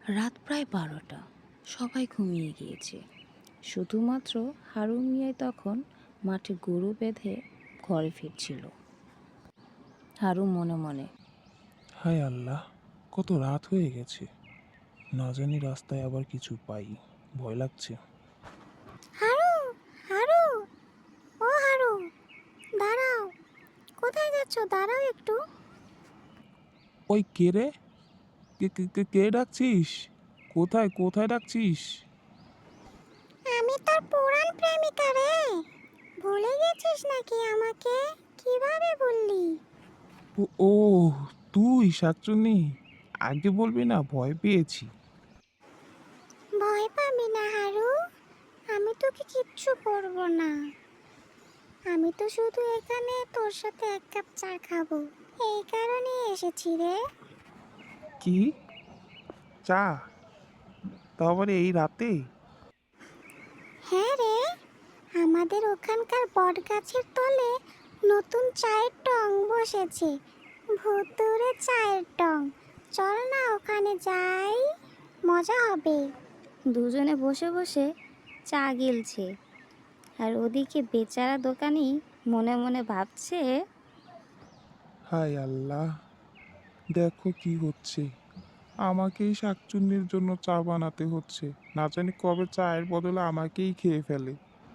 রাত প্রায় ১২টা। সবাই ঘুমিয়ে গিয়েছে। শুধুমাত্র হারুন মিয়াই তখন মাঠে গরু বেঁধে ঘরে ফিরছিল। হারুন মনে মনে, হায় আল্লাহ, কত রাত হয়ে গেছে। না জানি রাস্তায় আবার কিছু পাই, ভয় লাগছে। হারু, হারু, ও হারু, দাঁড়াও। কোথায় যাচ্ছ? দাঁড়াও একটু। ওই কে রে? কে কে কে কে ডাকছিস? কোথায় কোথায় ডাকছিস? আমি তোর পুরান প্রেমিকা রে। ভুলে গেছিস নাকি আমাকে? কিভাবে বললি? ও ও, তুই শাকচুন্নি, আগে বলবি না, ভয় পেয়েছি। ভয় পাবি না হারু, আমি তোকে কিচ্ছু করব না। আমি তো শুধু এখানে তোর সাথে এক কাপ চা খাবো, এই কারণেই এসেছি রে। কি? চা? তাও আবার এই রাতে? হ্যাঁ রে, আমাদের ওখানকার বটগাছের তলে নতুন চায়ের টং বসেছে। ভুতুড়ে চায়ের টং। চল না ওখানে যাই, মজা হবে। দুজনে বসে বসে চা গিলছে, আর ওদিকে বেচারা দোকানি মনে মনে ভাবছে, হায় আল্লাহ, দেখো কি হচ্ছে। আমাকেই শাকচুন্নির জন্য চা বানাতে হচ্ছে। না জানি কবে চায়ের বদলে আমাকেই খেয়ে ফেলে।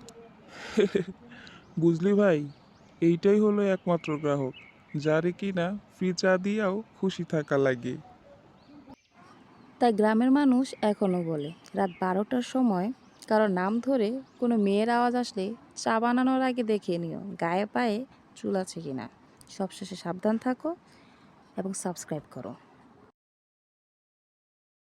বুঝলি ভাই, এইটাই হলো একমাত্র গ্রাহক, যারে কিনা ফ্রি চা দিয়েও খুশি থাকা লাগে। তাই গ্রামের মানুষ এখনও বলে, রাত ১২টার সময় কারো নাম ধরে কোনো মেয়ের আওয়াজ আসলে চা বানানোর আগে দেখে নিও গায়ে পায়ে চুল আছে কিনা। সবশেষে সাবধান থাকো এবং সাবস্ক্রাইব করো।